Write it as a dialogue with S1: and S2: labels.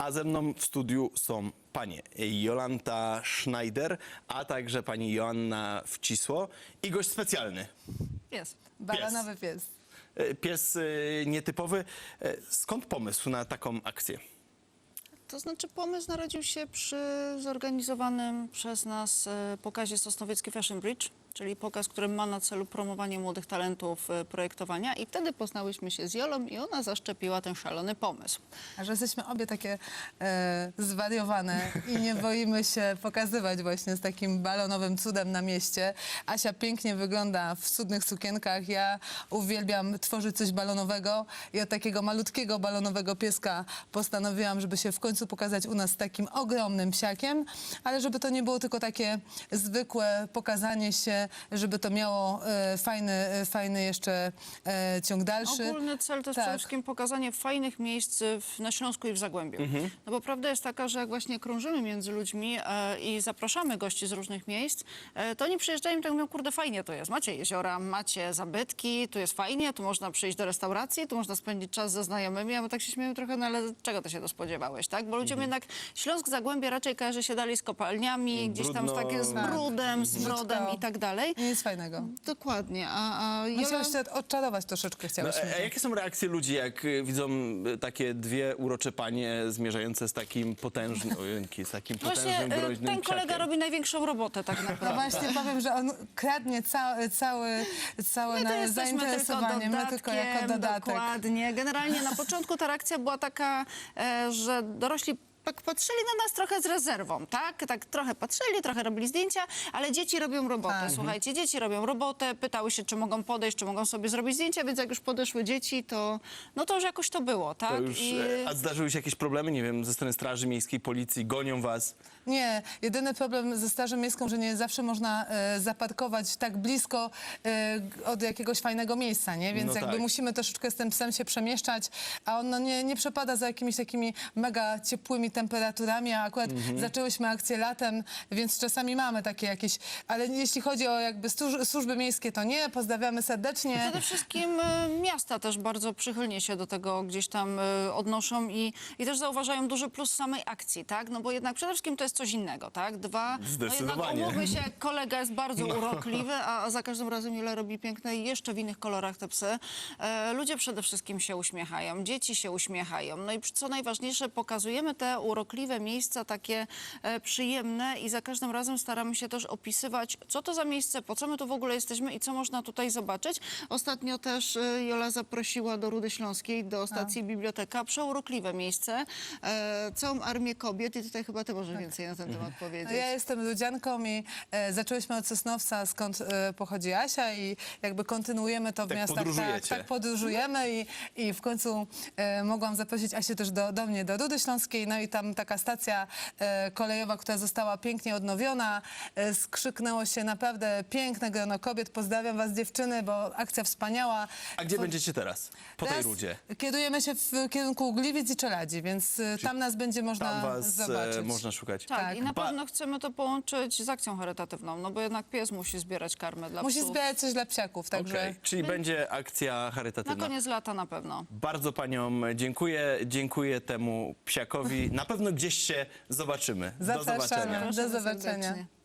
S1: A ze mną w studiu są panie Jolanta Schneider, a także pani Joanna Wcisło i gość specjalny.
S2: Pies.
S3: Balanowy pies.
S1: Pies nietypowy. Skąd pomysł na taką akcję?
S2: To znaczy pomysł narodził się przy zorganizowanym przez nas pokazie Sosnowiecki Fashion Bridge, czyli pokaz, który ma na celu promowanie młodych talentów projektowania i wtedy poznałyśmy się z Jolą i ona zaszczepiła ten szalony pomysł.
S3: A że jesteśmy obie takie zwariowane i nie boimy się pokazywać właśnie z takim balonowym cudem na mieście. Asia pięknie wygląda w cudnych sukienkach, ja uwielbiam tworzyć coś balonowego i od takiego malutkiego balonowego pieska postanowiłam, żeby się w końcu pokazać u nas z takim ogromnym psiakiem, ale żeby to nie było tylko takie zwykłe pokazanie się, żeby to miało fajny jeszcze ciąg dalszy.
S2: Ogólny cel to jest przede wszystkim pokazanie fajnych miejsc na Śląsku i w Zagłębiu. No bo prawda jest taka, że jak właśnie krążymy między ludźmi i zapraszamy gości z różnych miejsc, to oni przyjeżdżają i tak mówią, kurde, fajnie to jest. Macie jeziora, macie zabytki, tu jest fajnie, tu można przyjść do restauracji, tu można spędzić czas ze znajomymi, a my tak się śmiejemy trochę, no ale czego ty się to spodziewałeś, tak? Bo ludziom jednak Śląsk, Zagłębie raczej kojarzy się dalej z kopalniami, gdzieś tam z takie z brudem, z brodem i tak dalej.
S3: Nic fajnego.
S2: Dokładnie.
S3: Musimy jeszcze odczarować troszeczkę, chciałyśmy.
S1: A jakie są reakcje ludzi, jak widzą takie dwie urocze panie zmierzające z takim potężnym,
S2: Właśnie
S1: groźnym
S2: ten kolega
S1: psiakiem?
S2: robi największą robotę tak naprawdę.
S3: No właśnie powiem, że on kradnie całe
S2: My to jesteśmy
S3: zainteresowanie, my tylko jako dodatek.
S2: Dokładnie. Generalnie na początku ta reakcja była taka, że dorośli tak patrzyli na nas trochę z rezerwą, tak? Tak trochę patrzyli, trochę robili zdjęcia, ale dzieci robią robotę.
S3: Tak.
S2: Słuchajcie, dzieci robią robotę, pytały się, czy mogą podejść, czy mogą sobie zrobić zdjęcia, więc jak już podeszły dzieci, to no to już jakoś to było, tak?
S1: To już, a zdarzyły się jakieś problemy, nie wiem, ze strony Straży Miejskiej, Policji, gonią was?
S3: Nie, jedyny problem ze Strażą Miejską, że nie zawsze można zaparkować tak blisko od jakiegoś fajnego miejsca, nie? Więc
S1: No
S3: jakby
S1: tak.
S3: musimy troszeczkę z tym psem się przemieszczać, a on no, nie przepada za jakimiś takimi mega ciepłymi temperaturami, a akurat zaczęłyśmy akcję latem, więc czasami mamy takie jakieś, ale jeśli chodzi o jakby służby miejskie, to nie, pozdrawiamy serdecznie.
S2: Przede wszystkim miasta też bardzo przychylnie się do tego gdzieś tam odnoszą i też zauważają duży plus samej akcji, tak? No bo jednak przede wszystkim to jest coś innego, tak? Dwa, no jednak
S1: Zdecydowanie.
S2: umówmy się, kolega jest bardzo urokliwy, a za każdym razem Jule robi piękne i jeszcze w innych kolorach te psy. Ludzie przede wszystkim się uśmiechają, dzieci się uśmiechają. No i co najważniejsze, pokazujemy te urokliwe miejsca, takie przyjemne i za każdym razem staramy się też opisywać, co to za miejsce, po co my tu w ogóle jesteśmy i co można tutaj zobaczyć. Ostatnio też Jola zaprosiła do Rudy Śląskiej, do stacji Biblioteka, przeurokliwe miejsce, całą armię kobiet i tutaj chyba ty możesz więcej na ten temat powiedzieć.
S3: No ja jestem ludzianką i zaczęłyśmy od Sosnowca, skąd pochodzi Asia i jakby kontynuujemy to w
S1: Tak
S3: miastach.
S1: podróżujecie.
S3: Tak podróżujemy i w końcu mogłam zaprosić Asię też do mnie, do Rudy Śląskiej, no i tam taka stacja kolejowa, która została pięknie odnowiona, skrzyknęło się naprawdę piękne grono kobiet. Pozdrawiam was dziewczyny, bo akcja wspaniała.
S1: A gdzie będziecie teraz? Po tej
S3: Teraz
S1: rudzie?
S3: Kierujemy się w kierunku Gliwic i Czeladzi, więc tam nas będzie można
S1: Tam was
S3: zobaczyć.
S1: można szukać.
S2: Tak,
S3: Tak.
S2: i na pewno chcemy to połączyć z akcją charytatywną, no bo jednak pies musi zbierać karmę dla
S3: Musi
S2: psów.
S3: zbierać coś dla psiaków, także...
S1: Okej, czyli będzie akcja
S2: Na
S1: charytatywna.
S2: koniec lata na pewno.
S1: Bardzo paniom dziękuję temu psiakowi. Na pewno gdzieś się zobaczymy. Do
S3: Zapraszamy.
S1: zobaczenia.
S3: Do
S2: Proszę
S3: zobaczenia.
S2: serdecznie.